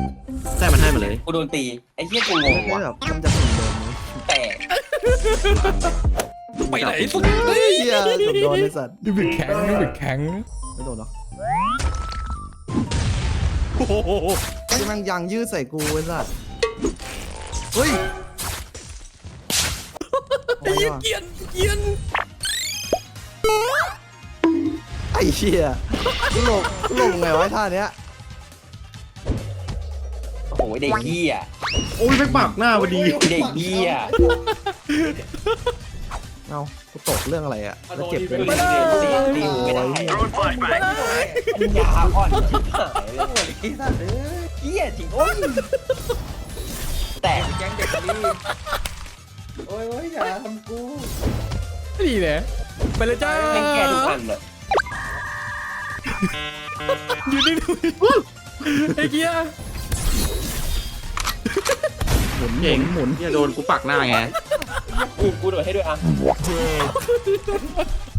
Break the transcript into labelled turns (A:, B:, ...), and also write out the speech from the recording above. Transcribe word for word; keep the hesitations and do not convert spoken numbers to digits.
A: ใช่มันให้มาเลย
B: กูโดนตีไอ้เหี้ยกูงง
C: ไม่
B: ว่ะ
C: แบบมันจะถึงโดนไหม
B: แต่
D: ไปไหนสุด
C: เฮ้ยเหี้ยเกือบโดนไอ้สัตว์
D: ดูบิดแข็งดูบิดแข็ง
C: ไม่โดนหรอก
D: โอ้โห
C: ที่มันยางยืดใส่กูไอ้สัตว์เฮ้ย
D: ไอ้เหี้ยเกียนเกียน
C: ไอ้เชี่ยกูหลงกูหลงไงวะท่าเนี้ย
B: โอ้โหเด็กเหี้ย
A: โอ้ยไปปากหน้าพอดี
B: เด็กเหี้ย
C: เอ้ากูตกเรื่องอะไรอะแล้วเจ็บเล
B: ตี
C: ย
B: ตีตีไม่ได้ปัญญาอ่อนชิบหายเลยไอ้สัตว์เอ้ยเหี้ยจริงโอ้ยแตก
E: แก๊งเด็กนี่โอ้ยโอ้ยอย่าทำกู
D: นี่แหละไปเลยจ้า
B: แม่งแกทุกอันเลย
D: ยืนนิ่งๆไอ้เกียร์
C: หมุนห
A: เก่
C: มุ
A: ง
C: นหมุน
A: เนี่ยโดนกูปักหน้าไง
B: กูกูโดดให้ด้วยอ่ะ